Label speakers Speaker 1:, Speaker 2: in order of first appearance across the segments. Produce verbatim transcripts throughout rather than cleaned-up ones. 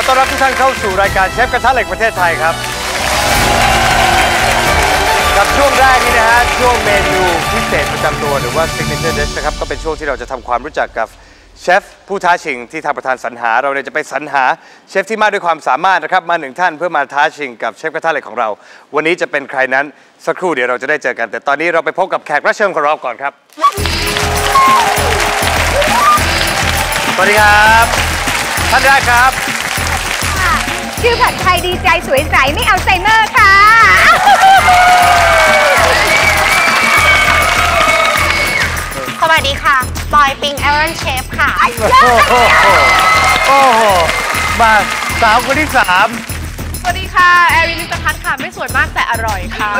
Speaker 1: ต้อนรับทุกท่านเข้าสู่รายการเชฟกระทะเหล็กประเทศไทยครับกับช่วงแรกนี้นะฮะช่วงเมนูพิเศษประจำตัวหรือว่า signature dish นะครับก็เป็นช่วงที่เราจะทำความรู้จักกับเชฟผู้ท้าชิงที่ทางประธานสรรหาเราเนี่ยจะไปสรรหาเชฟที่มากด้วยความสามารถนะครับมาหนึ่งท่านเพื่อมาท้าชิงกับเชฟกระทะเหล็กของเราวันนี้จะเป็นใครนั้นสักครู่เดี๋ยวเราจะได้เจอกันแต่ตอนนี้เราไปพบกับแขกรับเชิญของเราก่อนครับสวัสดีครับท่านแรกครับ
Speaker 2: ชื่อผัดไทยดีใจสวยใสไม่อัลไซเมอร์ค่ะ
Speaker 3: สวัสดีค่ะบอยปิงแอรอนเชฟค่ะ
Speaker 1: โอ้โหมาสาวคนที่สาม
Speaker 4: สวัสดีค่ะแอรินิตพัฒน์ค่ะไม่สวยมากแต่อร่อยค่ะ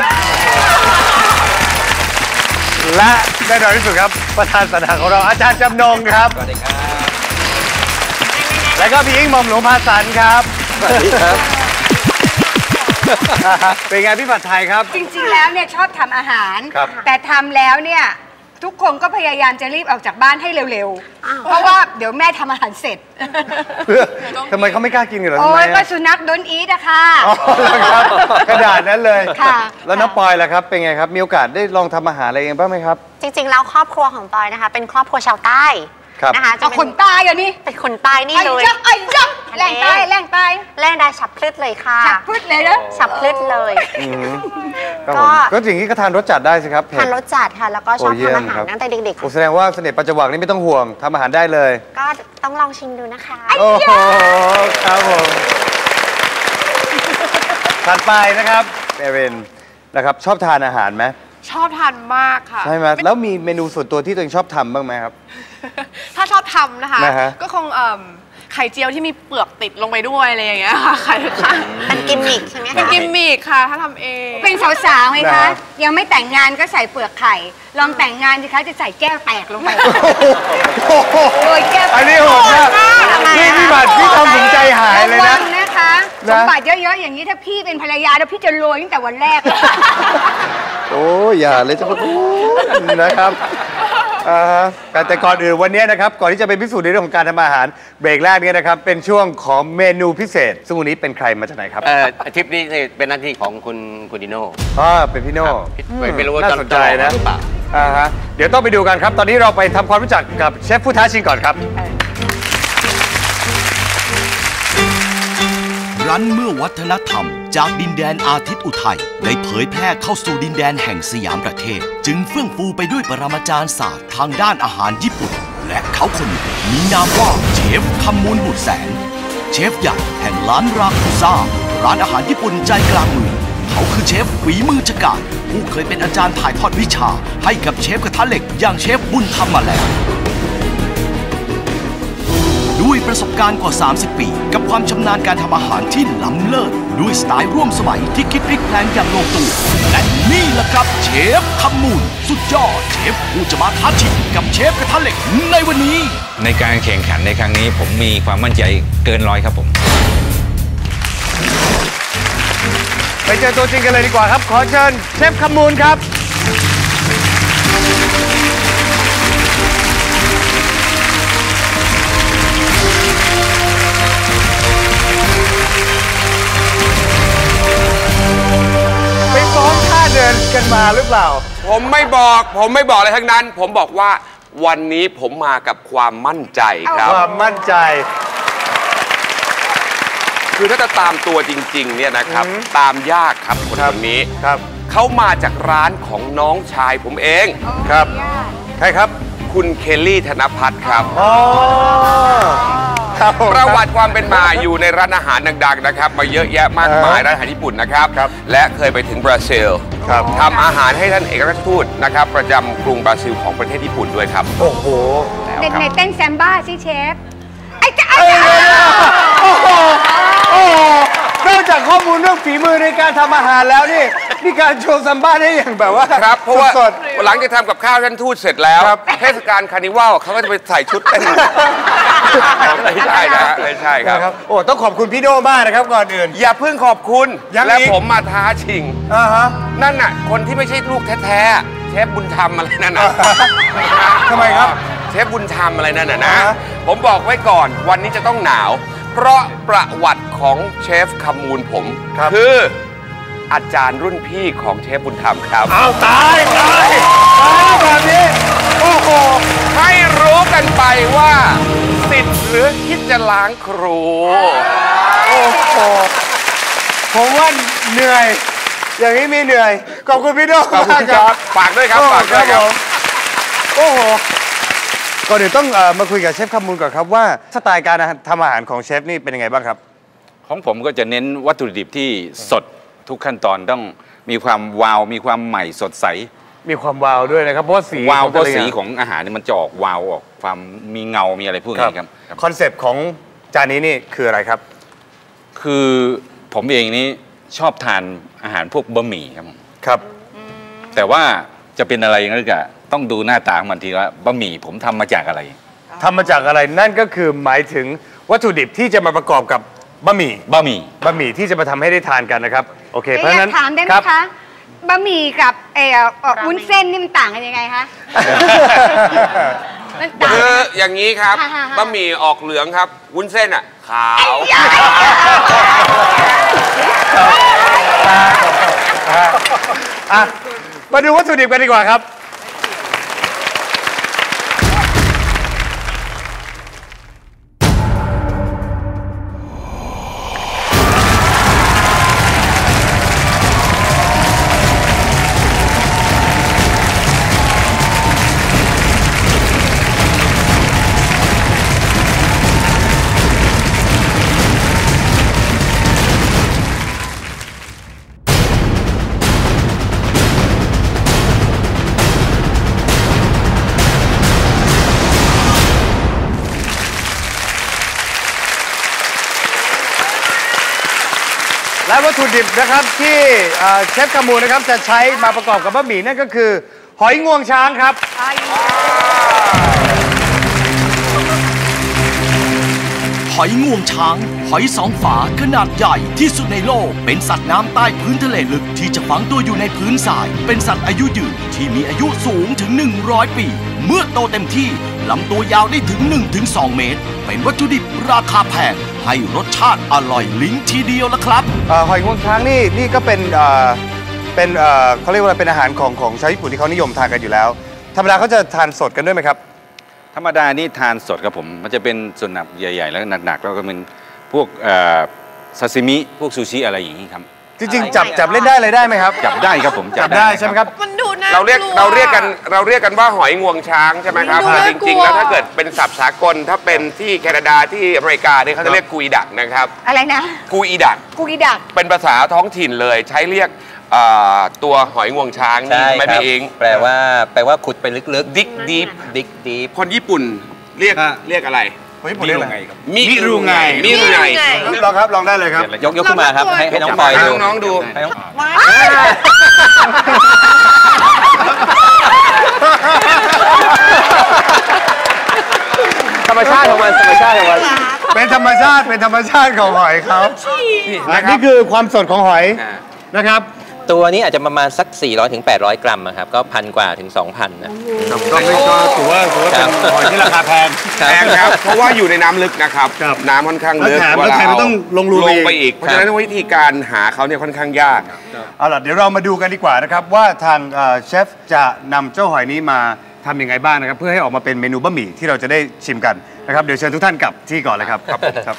Speaker 1: และแน่นอนที่สุดครับประธานสรรหาของเราอาจารย์จำนงครับสวัสดีครับแล้วก็พี่อิงหม่อมหลวงภาสันครับสวัสดีครับเป็นไงพี่ผัดไทยครับ
Speaker 2: จริงๆแล้วเนี่ยชอบทำอาหารแต่ทำแล้วเนี่ยทุกคนก็พยายามจะรีบออกจากบ้านให้เร็วๆเพราะว่าเดี๋ยวแม่ทำอาหารเสร็จ
Speaker 1: ทำไมเขาไม่กล้ากินกันเหรอ
Speaker 2: โอ้ยก็สุนัขโดนอีทอะค่ะ
Speaker 1: กระดาษนั้นเลยแล้วน้องปอยล่ะครับเป็นไงครับมีโอกาสได้ลองทำอาหารอะไรเองบ้างไหมครับ
Speaker 3: จริงๆแล้วครอบครัวของปอยนะคะเป็นครอบครัวชาวใต้
Speaker 2: นะคะจะคนใต้อย่างนี้
Speaker 3: เป็นคนใต้นี่เลย
Speaker 2: ไอ้ยักษ์แรงใต้แรงใต้
Speaker 3: แรงได้ฉับพลึดเลยค่ะ
Speaker 2: ฉับพลึดเลยนะ
Speaker 3: ฉับพลึดเลย
Speaker 1: ก็ก็อย่างนี้ก็ทานรสจัดได้สิครับ
Speaker 3: ทานรสจัดค่ะแล้วก็ชอบทำอาหารตั้งแต่เด็ก
Speaker 1: ๆแสดงว่าเสน่ห์ปัจจุบันนี้ไม่ต้องห่วงทำอาหารได้เลย
Speaker 3: ก็ต้องลองชิมดูนะคะ
Speaker 1: โอ้โหครับผมถัดไปนะครับเอรินนะครับชอบทานอาหารไหม
Speaker 4: ชอบทานมากค่ะ
Speaker 1: ใช่ไหมแล้วมีเมนูส่วนตัวที่ตัวเองชอบทำบ้างไหมครับ
Speaker 4: ถ้าชอบทำนะคะก็คงไข่เจียวที่มีเปลือกติดลงไปด้วยอะไรอย่างเงี้ยค่ะไข่ค่ะ
Speaker 3: เป็นกิมมิคใช่ไหมคะ
Speaker 4: เป็นกิมมิคค่ะถ้าทำเอง
Speaker 2: เป็นสาวๆไหมคะยังไม่แต่งงานก็ใส่เปลือกไข่ลองแต่งงานสิคะจะใส่แก้วแตกลงไปโอ้ยแก้ว
Speaker 1: อันนี้โหดมากพี่พี่บัตรพี่ทำถึงใจหายเลยนะ
Speaker 2: นะคะสมบัติเยอะๆอย่างนี้ถ้าพี่เป็นภรรยาแล้วพี่จะรวยตั้งแต่วันแรก
Speaker 1: โอ้ยอย่าเลยจะมาพูดนะครับแต่ก่อนอื่นวันนี้นะครับก่อนที่จะไปพิสูจน์ในเรื่องของการทำอาหารเบรกแรกนี้นะครับเป็นช่วงของเมนูพิเศษซึ่งวันนี้เป็นใครมาจากไหนครับ
Speaker 5: เอ่อทริปนี้เป็นหน้าที่ของคุณคุณดิโน่
Speaker 1: อ๋อเป็นพี่โน่
Speaker 5: ไม่รู้ว่า
Speaker 1: น่าสนใจนะอ่าฮะเดี๋ยวต้องไปดูกันครับตอนนี้เราไปทำความรู้จักกับเชฟผู้ท้าชิงก่อนครับ
Speaker 6: รั้นเมื่อวัฒนธรรมจากดินแดนอาทิตย์อุทัยได้เผยแพร่เข้าสู่ดินแดนแห่งสยามประเทศจึงเฟื่องฟูไปด้วยปรมาจารย์ศาสตร์ทางด้านอาหารญี่ปุ่นและเขาคนนี้มีนามว่าเชฟคำมูลบุตรแสงเชฟใหญ่แห่งร้านราคุซ่าร้านอาหารญี่ปุ่นใจกลางเมืองเขาคือเชฟฝีมือฉกาจผู้เคยเป็นอาจารย์ถ่ายทอดวิชาให้กับเชฟกระทะเหล็กอย่างเชฟบุญธรรมมาแล้วด้วยประสบการณ์กว่าสามสิบปีกับความชำนาญการทำอาหารที่ล้ำเลิศด้วยสไตล์ร่วมสมัยที่คิดพลิกแพลงอย่างลงตัวและนี่แหละครับเชฟคำมูลสุดยอดเชฟผู้จะมาท้าชิงกับเชฟกระทะเหล็กในวันนี้
Speaker 7: ในการแข่งขันในครั้งนี้ผมมีความมั่นใจเกินร้อยครับผม
Speaker 1: ไปเจอตัวจริงกันเลยดีกว่าครับขอเชิญเชฟคำมูลครับเดินกันมาหรือเปล่า
Speaker 5: ผมไม่บอกผมไม่บอกอะไรทั้งนั้นผมบอกว่าวันนี้ผมมากับความมั่นใจครับ
Speaker 1: ความมั่นใจ
Speaker 5: คือถ้าจะตามตัวจริงๆเนี่ยนะครับตามยากครับคนคนนี้
Speaker 1: ครับ
Speaker 5: เขามาจากร้านของน้องชายผมเอง
Speaker 1: ครับใครครับ
Speaker 5: คุณเคลลี่ธนภัทรครับ
Speaker 1: อ๋อ
Speaker 5: ประวัติความเป็นมาอยู่ในร้านอาหารดังๆนะครับมาเยอะแยะมากมายร้านอาหารญี่ปุ่นนะครับและเคยไปถึงบราซิลทำอาหารให้ท่านเอกอัครราชทูตนะครับประจำกรุงบราซิลของประเทศญี่ปุ่นด้วยครับ
Speaker 1: โอ้โห
Speaker 2: เด็กในเต้นแซมบ้าสิเชฟไอ้จ้า
Speaker 1: โอ้โหโอ้โหนอกจากข้อมูลเรื่องฝีมือในการทำอาหารแล้วนี่นี่การโชว์ซัมบ้าได้อย่างแบบว่า
Speaker 5: ครับเพราะว่าหลังจากทำกับข้าวท่านทูตเสร็จแล้วเทศกาลคาร์นิวัลเขาก็จะไปใส่ชุดเต้นไม่ใช่นะไม่ใช่ครับ
Speaker 1: โอ้ต้องขอบคุณพี่โน่มากนะครับก่อนอื่น
Speaker 5: อย่าเพิ่งขอบคุณและผมมาท้าชิงนั่นน่ะคนที่ไม่ใช่ลูกแท้ๆเชฟบุญธรรมอะไรนั่นน่ะ
Speaker 1: ทำไมครับ
Speaker 5: เชฟบุญธรรมอะไรนั่นน่ะนะผมบอกไว้ก่อนวันนี้จะต้องหนาวเพราะประวัติของเชฟคำมูลผม คืออาจารย์รุ่นพี่ของเชฟบุญธรรมครับ
Speaker 1: เอาตายตายตายแบบนี้โอ้โห
Speaker 5: ให้รู้กันไปว่าสิทธิ์หรือคิดจะล้างครู
Speaker 1: โอ้โหผมว่าเหนื่อยอย่างนี้มีเหนื่อยขอบคุณพี่โน้
Speaker 5: ขอบคุณครับฝากด้วยครับฝากด้วยครับ
Speaker 1: โอ้โหก่อนอื่นต้องมาคุยกับเชฟคำมูลก่อนครับว่าสไตล์การทำอาหารของเชฟนี่เป็นยังไงบ้างครับ
Speaker 7: ของผมก็จะเน้นวัตถุดิบที่สดทุกขั้นตอนต้องมีความวาวมีความใหม่สดใส
Speaker 1: มีความวาวด้วยนะครับเพราะสี
Speaker 7: วาวเพราะสีของอาหารนี่มันจะออกวาวออกความมีเงามีอะไรพวกนี้ครับ
Speaker 1: คอนเซปต์ของจานนี้นี่คืออะไรครับ
Speaker 7: คือผมเองนี้ชอบทานอาหารพวกบะหมี่ครับ
Speaker 1: ครับ
Speaker 7: แต่ว่าจะเป็นอะไรนั่นก็ต้องดูหน้าตาของมันทีว่าบะหมี่ผมทำมาจากอะไร
Speaker 1: ทำมาจากอะไรนั่นก็คือหมายถึงวัตถุดิบที่จะมาประกอบกับบะหมี่
Speaker 7: บะหมี่
Speaker 1: บะหมี่ที่จะมาทำให้ได้ทานกันนะครับโอเคเพราะฉะนั้น
Speaker 2: ถามได้ไหมคะบะหมี่กับเอ่อวุ้นเส้นนี่มันต่างกันยังไงคะ
Speaker 5: คืออย่างนี้ครับบะหมี่ออกเหลืองครับวุ้นเส้นอ่ะขาว
Speaker 1: มาดูวัตถุดิบกันดีกว่าครับและวัตถุดิบนะครับที่เชฟคำมูลนะครับจะใช้มาประกอบกับบะหมี่นั่นก็คือหอยงวงช้างครับ
Speaker 6: หอยงวงช้างหอยสองฝาขนาดใหญ่ที่สุดในโลกเป็นสัตว์น้ำใต้พื้นทะเลลึกที่จะฝังตัวอยู่ในพื้นทรายเป็นสัตว์อายุยืนที่มีอายุสูงถึงหนึ่งร้อยปีเมื่อโตเต็มที่ลำตัวยาวได้ถึง หนึ่งถึงสอง เมตรเป็นวัตถุดิบราคาแพงให้รสชาติอร่อยลิ้นทีเดียวละครับ
Speaker 1: หอยงวงช้างนี่นี่ก็เป็นเป็นเขาเรียกว่าเป็นอาหารของของชาวญี่ปุ่นที่เขานิยมทานกันอยู่แล้วธรรมดาเขาจะทานสดกันด้วยไหมครับ
Speaker 7: ธรรมดานี่ทานสดครับผมมันจะเป็นส่วนหนักใหญ่ๆแล้วหนักๆแล้วก็เป็นพวกซาซิมิพวกซูชิอะไรอย่างนี้ครับ
Speaker 1: จริงๆจับจับเล่นได้เลยได้ไหมครับ
Speaker 7: จับได้ครับผม
Speaker 1: จับได้ใช่ไหมครับ
Speaker 4: มันดูน่า
Speaker 5: เราเรียกเราเรียกกันเราเรียกกันว่าหอยงวงช้างใช่ไหมครับจริงๆแล้วถ้าเกิดเป็นศัพท์สากลถ้าเป็นที่แคนาดาที่อเมริกาเนี่ยเขาจะเรียกกุยดักนะครับ
Speaker 2: อะไรนะ
Speaker 5: กุยดัก
Speaker 2: กุยดัก
Speaker 5: เป็นภาษาท้องถิ่นเลยใช้เรียกตัวหอยงวงช้างนี่ไม่เอง
Speaker 8: แปลว่าแปลว่าขุดไปลึก
Speaker 5: ๆดิกดีฟ
Speaker 8: ดิกดีฟ
Speaker 5: คนญี่ปุ่นเรียกเรียกอะไร
Speaker 1: มิรุไงครับ
Speaker 5: มิรุไงมิรุไง
Speaker 1: ลองครับลองได้เลยครับ
Speaker 8: ยกยกขึ้นมาครับให้ให้น้องปอย
Speaker 5: ดูน้องดู
Speaker 1: ธรรมชาติของมันธรรมชาติของมันเป็นธรรมชาติเป็นธรรมชาติของหอยเขานี่คือความสดของหอยนะครับ
Speaker 8: ตัวนี้อาจจะประมาณสักสี่ร้อยถึงแปดร้อยกรัมครับก็พันกว่าถึง สองพัน นะ
Speaker 1: ก็ไม่ก็ถือว่าถือว่าเป็นหอยที่ราคาแพง
Speaker 5: แพงครับเพราะว่าอยู่ในน้ำลึกนะครับน้ำค่อนข้างลึก
Speaker 1: แล้วแถมต้องลงรู
Speaker 5: ไปอีกเพราะฉะนั้นวิธีการหาเขาเนี่ยค่อนข้างยาก
Speaker 1: เอาล่ะเดี๋ยวเรามาดูกันดีกว่านะครับว่าทางเชฟจะนำเจ้าหอยนี้มาทำยังไงบ้างนะครับเพื่อให้ออกมาเป็นเมนูบะหมี่ที่เราจะได้ชิมกันนะครับเดี๋ยวเชิญทุกท่านกลับที่ก่อนเลยครับครับ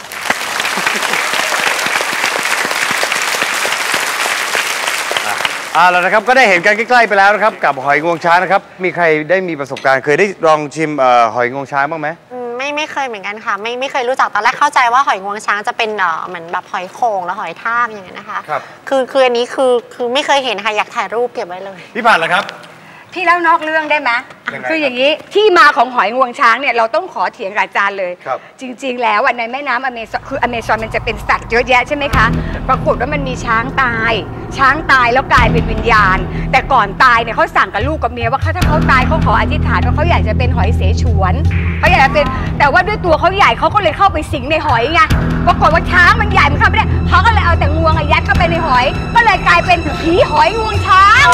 Speaker 1: อ่าแล้วนะครับก็ได้เห็นกันใกล้ๆไปแล้วนะครับกับหอยงวงช้างนะครับมีใครได้มีประสบการณ์เคยได้ลองชิมหอยงวงช้างบ้างไหม
Speaker 3: ไม่ไม่เคยเหมือนกันค่ะไม่ไม่เคยรู้จักตอนแรกเข้าใจว่าหอยงวงช้างจะเป็นเหมือนแบบหอยโข่งแล้วหอยทากอย่างเงี้ยนะคะครับคือคืออันนี้คือคือไม่เคยเห็นค่ะอยากถ่ายรูปเก็บไว้เลย
Speaker 1: พี่ผ่านเหรอครับ
Speaker 2: พี่เล่านอกเรื่องได้ไหมคืออย่างนี้ที่มาของหอยงวงช้างเนี่ยเราต้องขอเถียงกับอาจารย์เลยจริงๆแล้วในแม่น้ำอเมซอนคืออเมซอนมันจะเป็นสัตว์เยอะแยะใช่ไหมคะปรากฏว่ามันมีช้างตายช้างตายแล้วกลายเป็นวิญญาณแต่ก่อนตายเนี่ยเขาสั่งกับลูกกับเมียว่าถ้าเขาตายเขาขออธิษฐานว่าเขาอยากจะเป็นหอยเสฉวนเขาอยากจะเป็นแต่ว่าด้วยตัวเขาใหญ่เขาก็เลยเข้าไปสิงในหอยไงปรากฏว่าช้างมันใหญ่มันเข้าไม่ได้เขาก็เลยเอาแต่งวงยัดเข้าไปในหอยก็เลยกลายเป็นผีหอยงวงช้าง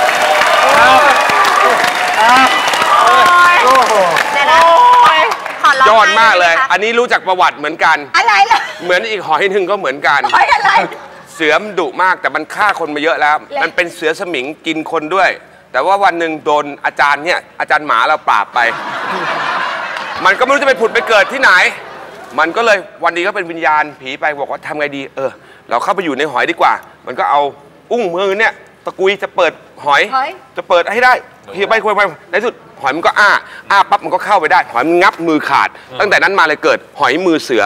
Speaker 3: เดี๋ยวนะขอ
Speaker 5: ยอดมากเลย อันนี้รู้จักประวัติเหมือนกัน
Speaker 2: อะไรล่ะ
Speaker 5: เหมือนอีกหอยหนึ่งก็เหมือนกัน
Speaker 2: หอยอะไร
Speaker 5: เสือมันดุมากแต่มันฆ่าคนมาเยอะแล้ว มันเป็นเสือสมิงกินคนด้วย แต่ว่าวันหนึ่งโดนอาจารย์เนี่ยอาจารย์หมาเราปราบไป มันก็ไม่รู้จะไปผุดไปเกิดที่ไหน มันก็เลยวันนี้ก็เป็นวิญญาณผีไปบอกว่าทำไงดีเออเราเข้าไปอยู่ในหอยดีกว่า มันก็เอาอุ้งมือเนี่ยตะกุยจะเปิดหอย จะเปิดให้ได้เฮียไปคุยไปในสุดหอยมันก็อ้าอ้าปั๊บมันก็เข้าไปได้หอยมันงับมือขาด ตั้งแต่นั้นมาเลยเกิดหอยมือเสือ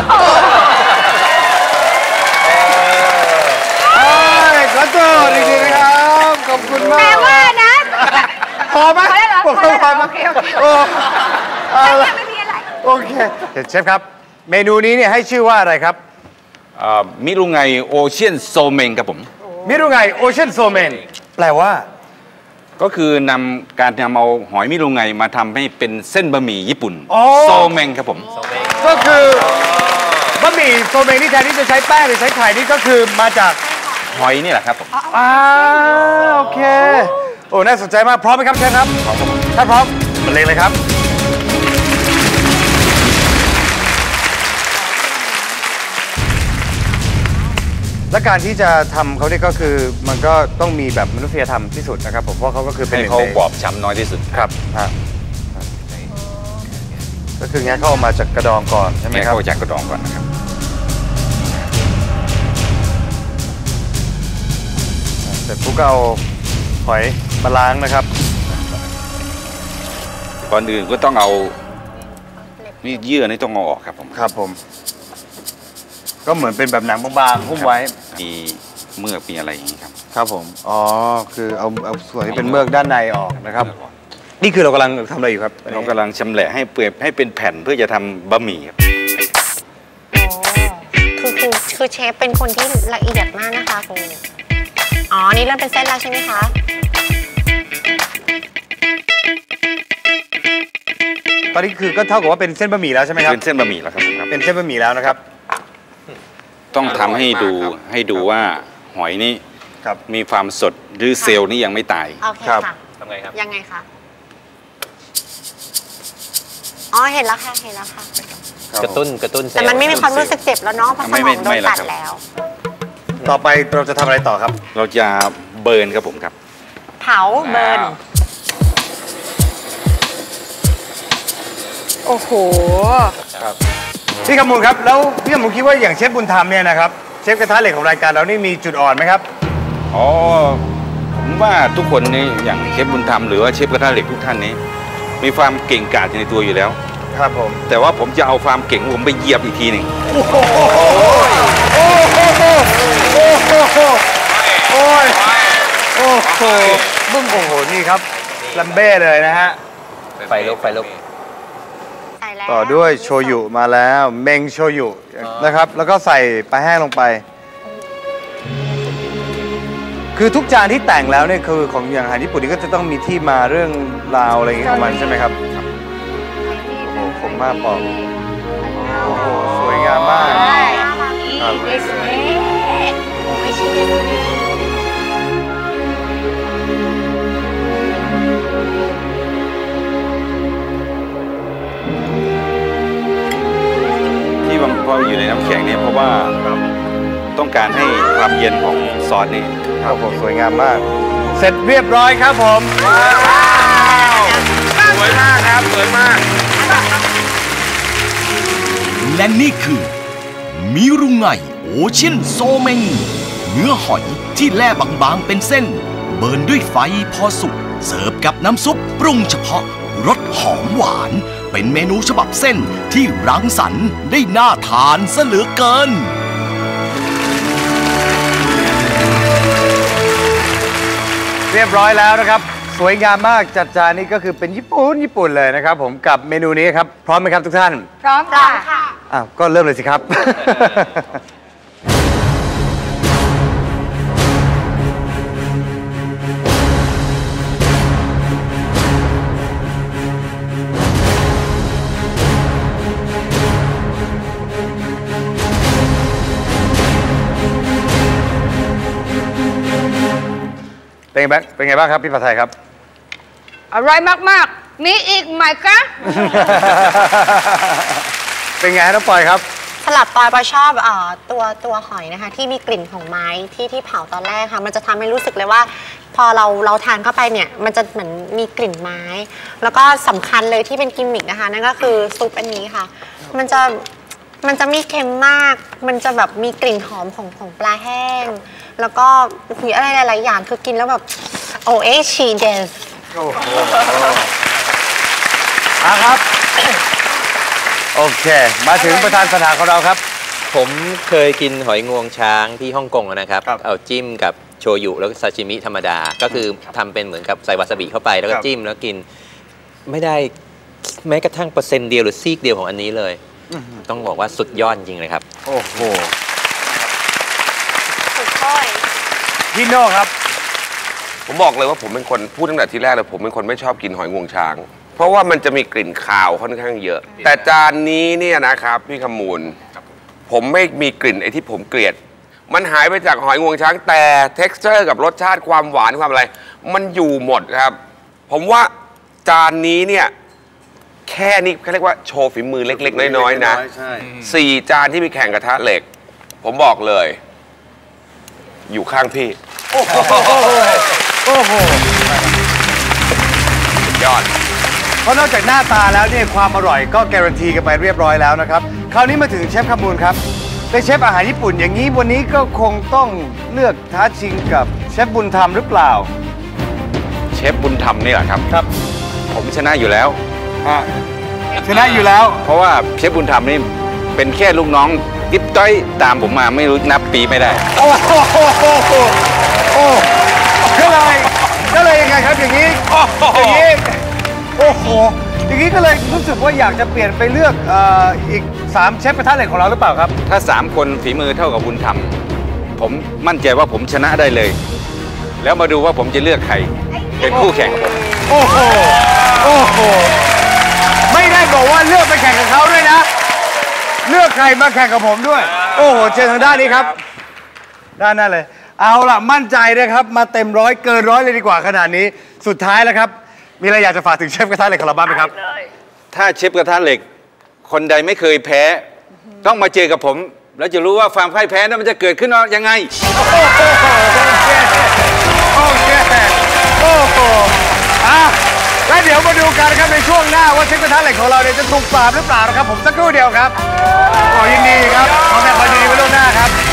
Speaker 1: ขอโทษจริงๆนะครับขอบคุณมาก
Speaker 2: แปลว่านะ
Speaker 1: พอไหมพอแล้วเหรอพอแล้วพอไหมโอเคโอเคโอ้ไม่มีอะไรโอเคเชฟครับเมนูนี้เนี่ยให้ชื่อว่าอะไรครับ
Speaker 7: มิรุไงโอเชียนโซเมงครับผม
Speaker 1: มิรุไงโอเชียนโซเมนแปลว่า
Speaker 7: ก็คือนำการนำเอาหอยมิรุไงมาทำให้เป็นเส้นบะหมี่ญี่ปุ่นโซเมงครับผม
Speaker 1: ก็คือบะหมี่โซเมงที่แทนที่จะใช้แป้งหรือใช้ไข่นี่ก็คือมาจาก
Speaker 7: หอยนี่แหละครับผม
Speaker 1: อ้าวโอเคโอ้น่าสนใจมากพร้อมไหมครับเชฟครับพร้อมถ้าพร้อมมาเลยเลยครับและการที่จะทำเขาเนี่ยก็คือมันก็ต้องมีแบบมนุษยธรรมที่สุดนะครับผมเพราะเขาก็คือเป็น
Speaker 7: ให้เขาบอบช้ำน้อยที่สุด
Speaker 1: ครับก็คืองั้นเขาออกมาจากกระดองก่อนใช่ไหมครับ
Speaker 7: เขาจากกระดองก่อนนะครับ
Speaker 1: เสร็จปุ๊บก็เอาหอยมาล้างนะครับ
Speaker 7: ก่อนอื่นก็ต้องเอานี่เยื่อนี่ต้องเอาออกครับผม
Speaker 1: ครับผมก็เหมือนเป็นแบบหนังบางๆหุ้มไว้
Speaker 7: มีเมือกมีอะไรอย่างนี้ครับ
Speaker 1: ครับผมอ๋อคือเอาเอาส่วนที่เป็นเมือกด้านในออกนะครับนี่คือเรากำลังทำอะไรอยู่ครับ
Speaker 7: เรากำลังชำแหละให้เปื่อยให้เป็นแผ่นเพื่อจะทำบะหมี่ครับ
Speaker 3: คือคือคือเชฟเป็นคนที่ละเอียดมากนะคะคุณอ๋อนี่เริ่มเป็นเส้นแล้วใช่ไหมคะ
Speaker 1: ตอนนี้คือก็เท่ากับว่าเป็นเส้นบะหมี่แล้วใช่ไหมครับ
Speaker 7: เป็นเส้นบะหมี่แล้วครับ
Speaker 1: เป็นเส้นบะหมี่แล้วนะครับ
Speaker 7: ต้องทำให้ดูให้ดูว่าหอยนี่มีความสดหรือเซลล์นี่ยังไม่ตาย
Speaker 3: โอเคค่ะทำไงครับยังไงคะอ๋อเห็นแล้วค่ะเห็นแล้วค่ะ
Speaker 8: กระตุ้นกระตุ้น
Speaker 3: แต่มันไม่มีความรู้สึกเจ็บแล้วเนาะเพราะสมองโดนตัดแล้ว
Speaker 1: ต่อไปเราจะทำอะไรต่อครับ
Speaker 7: เราจะเบิร์นครับผมครับ
Speaker 3: เผาเบิร์น
Speaker 2: โอ้โห
Speaker 1: ครับพี่กำมูลครับแล้วพี่กำมูลคิดว่าอย่างเชฟบุญธรรมเนี่ยนะครับเชฟกระทะเหล็กของรายการเรานี่มีจุดอ่อนไหมครับ
Speaker 7: อ๋อผมว่าทุกคนนี่อย่างเชฟบุญธรรมหรือว่าเชฟกระทะเหล็กทุกท่านนี้มีความเก่งกาจในตัวอยู่แล้ว
Speaker 1: ครับผม
Speaker 7: แต่ว่าผมจะเอาความเก่งผมไปเหยียบอีกทีหนึ่ง
Speaker 1: โอ้โหโอ้โหโอ้โหโอ้ยโอ้โหบึ้งโอ้โหนี่ครับลัมเบ้เลยนะฮะ
Speaker 8: ไฟลุกไฟลุก
Speaker 1: ต่อด้วยโชยุมาแล้วเมงโชยุนะครับแล้วก็ใส่ปลาแห้งลงไปคือทุกจานที่แต่งแล้วเนี่ยคือของอย่างอาหารญี่ปุ่นนี่ก็จะต้องมีที่มาเรื่องราวอะไรอย่างเงี้ยของมันใช่ไหมครับโอ้โหคมมากบอกโอ้โหสวยงามมาก
Speaker 7: พออยู่ในน้ำแข็งเนี่ยเพราะว่าต้องการให้ความเย็นของซอสนี่
Speaker 1: ครับผมสวยงามมากเสร็จเรียบร้อยครับผม
Speaker 5: สวยมากครับสวยมาก
Speaker 6: และนี่คือมิรุไงโอเชียนโซเมงเนื้อหอยที่แล่บางๆเป็นเส้นเบิร์นด้วยไฟพอสุกเสิร์ฟกับน้ำซุปปรุงเฉพาะรสหอมหวานเป็นเมนูฉบับเส้นที่รังสรรค์ได้น่าทานซะเหลือเกิน
Speaker 1: เรียบร้อยแล้วนะครับสวยงามมากจัดจานนี้ก็คือเป็นญี่ปุ่นญี่ปุ่นเลยนะครับผมกับเมนูนี้ครับพร้อมไหมครับทุกท่าน
Speaker 2: พร้อมค่ะ
Speaker 1: อ้าวก็เริ่มเลยสิครับ เป็นไงบ้างเป็นไงบ้างครับพี่ผัดไทยครับ
Speaker 2: อร่อยมากๆมีอีกไหมคะ
Speaker 1: เป็นไงน้องปอยครับ
Speaker 3: สลับปอยปอยชอบเอ่อตัวตัวหอยนะคะที่มีกลิ่นของไม้ที่ที่เผาตอนแรกค่ะมันจะทำให้รู้สึกเลยว่าพอเราเราทานเข้าไปเนี่ยมันจะเหมือนมีกลิ่นไม้ แล้วก็สำคัญเลยที่เป็นกิมมิคนะคะนั่นก็คือซุปอันนี้ค่ะมันจะมันจะไม่เค็มมากมันจะแบบมีกลิ่นหอมของของปลาแห้งแล้วก็มีอะไรหลายๆอย่างคือกินแล้วแบบโอเอชีเดส
Speaker 1: โอ้โหครับโอเคมาถึงประธานสถานของเราครับ
Speaker 8: ผมเคยกินหอยงวงช้างที่ฮ่องกงนะครับเอาจิ้มกับโชยุแล้วก็ซาชิมิธรรมดาก็คือทำเป็นเหมือนกับใส่วาซาบิเข้าไปแล้วก็จิ้มแล้วกินไม่ได้แม้กระทั่งเปอร์เซ็นต์เดียวหรือซีกเดียวของอันนี้เลยต้องบอกว่าสุดยอดจริงเลยครับ
Speaker 1: โอ้โห
Speaker 3: สุดท้าย
Speaker 1: พี่โน่ครับ
Speaker 5: ผมบอกเลยว่าผมเป็นคนพูดตั้งแต่ทีแรกเลยผมเป็นคนไม่ชอบกินหอยงวงช้างเพราะว่ามันจะมีกลิ่นคาวค่อนข้างเยอะแต่จานนี้เนี่ยนะครับพี่ขมูลผมไม่มีกลิ่นไอ้ที่ผมเกลียดมันหายไปจากหอยงวงช้างแต่ texture กับรสชาติความหวานความอะไรมันอยู่หมดครับผมว่าจานนี้เนี่ยแค่นี้เขาเรียกว่าโชว์ฝีมือเล็กๆน้อยๆนะสี่จานที่มีแข่งกระทะเหล็กผมบอกเลยอยู่ข้างพี่
Speaker 1: โอ้โหโอ้โห
Speaker 5: ยอด
Speaker 1: เพราะนอกจากหน้าตาแล้วเนี่ยความอร่อยก็การันตีกันไปเรียบร้อยแล้วนะครับคราวนี้มาถึงเชฟขมูลครับเป็นเชฟอาหารญี่ปุ่นอย่างนี้วันนี้ก็คงต้องเลือกท้าชิงกับเชฟบุญธรรมหรือเปล่า
Speaker 7: เชฟบุญธรรมนี่แหละครับ
Speaker 1: ครับ
Speaker 7: ผมชนะอยู่แล้ว
Speaker 1: ชนะอยู่แล้ว
Speaker 7: เพราะว่าเชฟบุญธรรมนี่เป็นแค่ลูกน้องกิ๊บต้อยตามผมมาไม่รู้นับปีไม่ได้
Speaker 1: โอ้โหโอ้ก็เลยก็เลยยังไงครับอย่างนี้อย่างนี้โอ้โหอย่างนี้ก็เลยรู้สึกว่าอยากจะเปลี่ยนไปเลือกอีกสามเชฟกระทะเหล็กของเราหรือเปล่าครับ
Speaker 7: ถ้าสามคนฝีมือเท่ากับบุญธรรมผมมั่นใจว่าผมชนะได้เลยแล้วมาดูว่าผมจะเลือกใครเป็นคู่แข่งกับผม
Speaker 1: โอ้โหโอ้โหไม่ได้บอกว่าเลือกไปแข่งกับเขาด้วยนะเลือกใครมาแข่งกับผมด้วยโอ้โหเชิญทางด้านนี้ครับด้านนั้นเลยเอาล่ะมั่นใจนะครับมาเต็มร้อยเกินร้อยเลยดีกว่าขนาดนี้สุดท้ายแล้วครับมีอะไรอยากจะฝากถึงเชฟกระทะเหล็กของเราบ้างไหมครับ
Speaker 7: ถ้าเชฟกระทะเหล็กคนใดไม่เคยแพ้ต้องมาเจอกับผมแล้วจะรู้ว่าความพ่ายแพ้นั้นมันจะเกิดขึ้นยังไง
Speaker 1: โอเคโอเคโอ้โหอ่ะแล้วเดี๋ยวมาดูกันครับในช่วงหน้าว่าเชฟกระทะเหล็กของเราเนี่ยจะถูกปราบหรือเปล่านะครับผมสักครู่เดียวครับขอยินดีครับขอแสดงความยินดีไว้ล่วงหน้าครับ